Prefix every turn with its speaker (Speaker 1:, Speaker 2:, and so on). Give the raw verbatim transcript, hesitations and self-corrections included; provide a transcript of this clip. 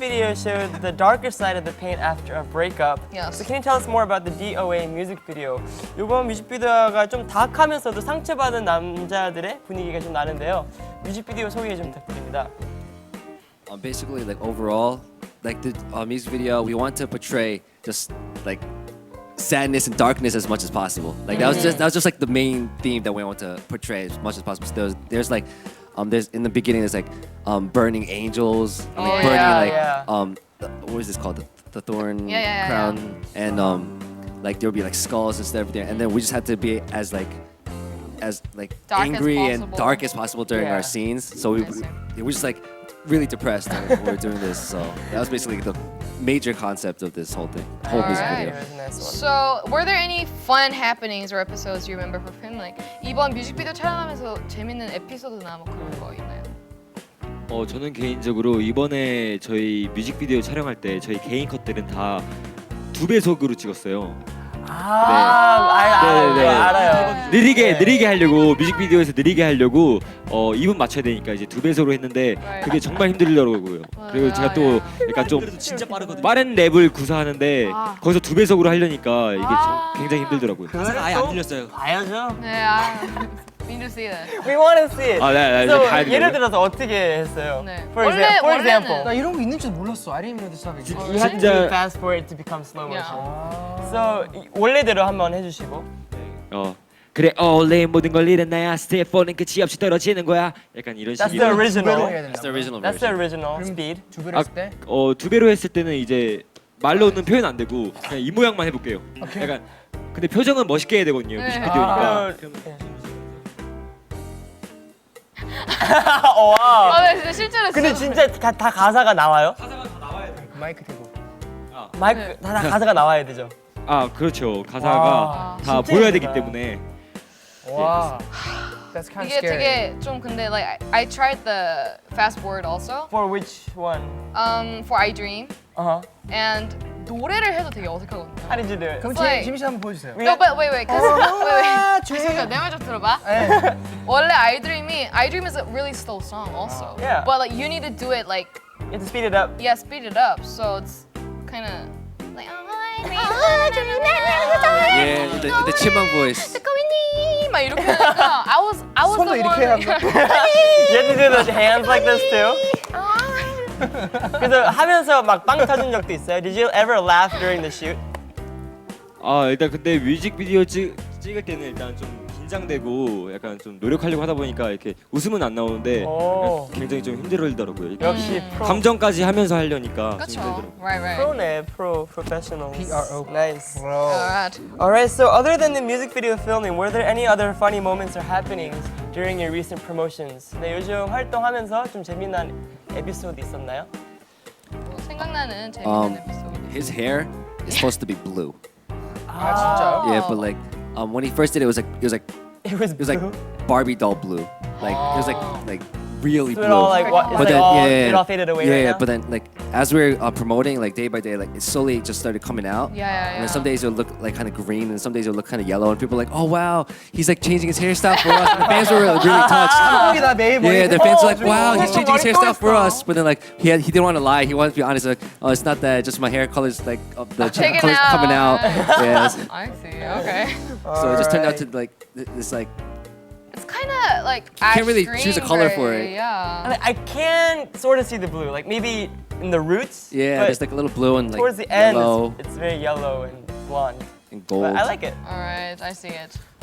Speaker 1: video showed the darker side of the pain after a breakup.
Speaker 2: Yes.
Speaker 1: So can you tell us more about the D O A music video? 이번 뮤직비디오가 좀 다크하면서도 상처받은 남자들의 분위기가 좀 나는데요. 뮤직비디오 소개 좀 부탁드립니다.
Speaker 3: Um, basically, like overall, like the uh, music video, we want to portray just like sadness and darkness as much as possible. Like that was just that was just like the main theme that we want to portray as much as possible. So there's, there's like, um, there's in the beginning there's like um, burning angels,
Speaker 2: Oh,
Speaker 3: like burning
Speaker 1: yeah,
Speaker 3: like
Speaker 1: yeah.
Speaker 3: um, the, what is this called? The, the thorn
Speaker 2: Yeah, yeah, yeah,
Speaker 3: crown,
Speaker 2: yeah.
Speaker 3: and um, like there would be like skulls and stuff there, and then we just had to be as like as like
Speaker 2: Dark as
Speaker 3: angry and
Speaker 2: possible.
Speaker 3: dark as possible during
Speaker 1: Yeah.
Speaker 3: our scenes. So we
Speaker 2: I see.
Speaker 3: we were just like really depressed when we were doing this. So that was basically the major concept of this whole thing, whole music
Speaker 2: Alright.
Speaker 3: video.
Speaker 1: Here's a nice one.
Speaker 2: So, were there any fun happenings or episodes you remember for Finland? 이번 뮤직비디오 촬영하면서 재밌는 에피소드나 뭐 그런 거 있나요?
Speaker 4: 어 저는 개인적으로 이번에 저희 뮤직비디오 촬영할 때 저희 개인 컷들은 다 두 배속으로 찍었어요.
Speaker 1: 아, 알, 알,
Speaker 4: 네, 네.
Speaker 1: 알아요.
Speaker 4: 느리게
Speaker 1: 네.
Speaker 4: 느리게 하려고 뮤직비디오에서 느리게 하려고 어 이 분 맞춰야 되니까 이제 두 배속으로 했는데 그게 정말 힘들더라고요. 그리고 제가 또 약간 좀
Speaker 5: 진짜 빠르거든요.
Speaker 4: 빠른 랩을 구사하는데
Speaker 2: 아.
Speaker 4: 거기서 두 배속으로 하려니까 이게
Speaker 2: 아.
Speaker 4: 좀 굉장히 힘들더라고요.
Speaker 5: 가사가 아예 안 들렸어요.
Speaker 1: 봐야죠.
Speaker 2: 네, 아, need to see that.
Speaker 1: We want to see it.
Speaker 4: 아, 네, 네,
Speaker 1: So,
Speaker 4: 이제 가야 되고요.
Speaker 1: 예를 들어서 어떻게 했어요?
Speaker 2: 네.
Speaker 1: For,
Speaker 2: 원래-
Speaker 1: exa- for
Speaker 2: 원래는-
Speaker 1: example.
Speaker 6: 나 이런 거 있는 줄 몰랐어. I didn't know this stuff existed.
Speaker 1: You have to
Speaker 4: 진짜-
Speaker 1: fast forward to become slow motion.
Speaker 2: Yeah.
Speaker 1: So 이- 원래대로 한번 해주시고.
Speaker 4: 어 그래 원래 모든 걸 잃은 나야 스텝 사는 끝이 없이 떨어지는 거야. 약간 이런
Speaker 1: That's the
Speaker 4: 식으로.
Speaker 6: 두 배로
Speaker 1: original.
Speaker 6: 해야
Speaker 3: That's
Speaker 6: 된다.
Speaker 3: the original
Speaker 1: That's the
Speaker 3: version.
Speaker 1: original
Speaker 6: 그럼
Speaker 1: speed.
Speaker 6: 두 배로 했을 때?
Speaker 4: 어, 두 배로 했을 때는 이제 말로는 표현 안 되고 그냥 이 모양만 해볼게요.
Speaker 6: 오케이.
Speaker 4: 약간 근데 표정은 멋있게 해야 되거든요.
Speaker 2: 네.
Speaker 4: 뮤직비디오니까.
Speaker 1: 어, 와.
Speaker 2: 아, 네, 진짜 실제로
Speaker 1: 근데 진짜 다, 다 가사가 나와요?
Speaker 6: 마이크 대고.
Speaker 1: 마이크
Speaker 2: 네.
Speaker 1: 다, 다 가사가 나와야 되죠.
Speaker 4: 아 그렇죠. 가사가
Speaker 1: 와,
Speaker 4: 다
Speaker 1: 진짜
Speaker 4: 보여야 되기
Speaker 1: 예쁘다.
Speaker 4: 때문에.
Speaker 6: 와. That's kind of
Speaker 2: 이게
Speaker 6: scary.
Speaker 2: 되게 좀 근데 like I, I tried the fast forward also
Speaker 1: For which one?
Speaker 2: um for I Dream
Speaker 1: Uh huh.
Speaker 2: and 노래를 해도 되게 어색하거든요.
Speaker 1: How did you do it?
Speaker 6: 그럼
Speaker 2: Like-
Speaker 6: 지, 지민 씨 한번 보여주세요.
Speaker 2: No, but wait, wait, cause wait, wait.
Speaker 6: 아,
Speaker 2: 잠깐 내 말 좀 들어봐.
Speaker 6: 네.
Speaker 2: 원래 I Dream이 I Dream is a really slow song also.
Speaker 1: Yeah.
Speaker 2: But like you need to do it like
Speaker 1: You have to speed it up.
Speaker 2: yeah, speed it up. So it's kind of like
Speaker 3: Yeah, the, the chipmunk voice.
Speaker 2: 막 이렇게 하니까 I was I was
Speaker 6: 손도
Speaker 2: the
Speaker 6: 이렇게
Speaker 2: one.
Speaker 6: 하면
Speaker 1: You have to do the hands like this too. 그래서 하면서 막 빵 터진 적도 있어요. Did you ever laugh during the shoot?
Speaker 4: 아 일단 근데 뮤직비디오 찍, 찍을 때는 일단 좀 긴장되고 약간 좀 노력하려고 하다 보니까 이렇게 웃음은 안 나오는데
Speaker 1: 오.
Speaker 4: 굉장히 좀 힘들더라고요. 이렇게
Speaker 1: 역시 프로.
Speaker 4: 감정까지 하면서 하려니까 좀
Speaker 2: 그렇죠.
Speaker 4: 힘들더라고요.
Speaker 2: Right, right.
Speaker 1: 프로네, 프로, professionals.
Speaker 6: P R O.
Speaker 1: Nice.
Speaker 6: Bro.
Speaker 2: Alright.
Speaker 1: Alright, so other than the music video filming, were there any other funny moments or happenings during your recent promotions? 네, 요즘 활동하면서 좀 재미난 에피소드 있었나요?
Speaker 2: 뭐 생각나는 재밌는
Speaker 3: Um,
Speaker 2: 에피소드.
Speaker 3: his hair is supposed to be blue.
Speaker 6: 아 진짜요?
Speaker 3: Yeah, but like um, when he first did it, it was like it was like
Speaker 1: It was
Speaker 3: it was like
Speaker 1: blue.
Speaker 3: Barbie doll blue. Like it was like like really
Speaker 1: So
Speaker 3: blue.
Speaker 1: it all like what? It's
Speaker 3: But
Speaker 1: like
Speaker 3: then
Speaker 1: all,
Speaker 3: yeah, yeah,
Speaker 1: it all faded away
Speaker 3: yeah,
Speaker 1: right
Speaker 3: yeah.
Speaker 1: now?
Speaker 3: But then like as we were uh, promoting, like day by day, like it slowly just started coming out.
Speaker 2: Yeah, yeah,
Speaker 3: And then some
Speaker 2: yeah.
Speaker 3: days it would look like kind of green, and some days it would look kind of yellow, and people were like, "Oh wow, he's like changing his hairstyle for us." And the fans were really touched.
Speaker 6: 여기다 매일 머리.
Speaker 3: Yeah, the fans were like,
Speaker 6: 어,
Speaker 3: "Wow,
Speaker 6: 좀
Speaker 3: he's changing his
Speaker 1: 머리
Speaker 3: hairstyle for
Speaker 1: 꼬였어.
Speaker 3: us." But then like he had, he didn't want to lie. He wanted to be honest. Like, "Oh, it's not that. Just my hair colors like uh, the
Speaker 2: Taken
Speaker 3: colors
Speaker 2: out.
Speaker 3: coming out." Yeah. So
Speaker 2: I see. Okay.
Speaker 3: it just turned out to like th- this like
Speaker 2: It's kind of like
Speaker 3: can't really
Speaker 2: ash
Speaker 3: choose a
Speaker 2: green
Speaker 3: color
Speaker 2: gray,
Speaker 3: for it.
Speaker 2: Yeah.
Speaker 1: And I can sort of see the blue, like maybe in the roots.
Speaker 3: yeah,
Speaker 1: but
Speaker 3: there's like a little blue and like
Speaker 1: towards the end,
Speaker 3: yellow
Speaker 1: it's, it's very yellow and blonde.
Speaker 3: and gold.
Speaker 1: But I like it.
Speaker 2: All right, I see it.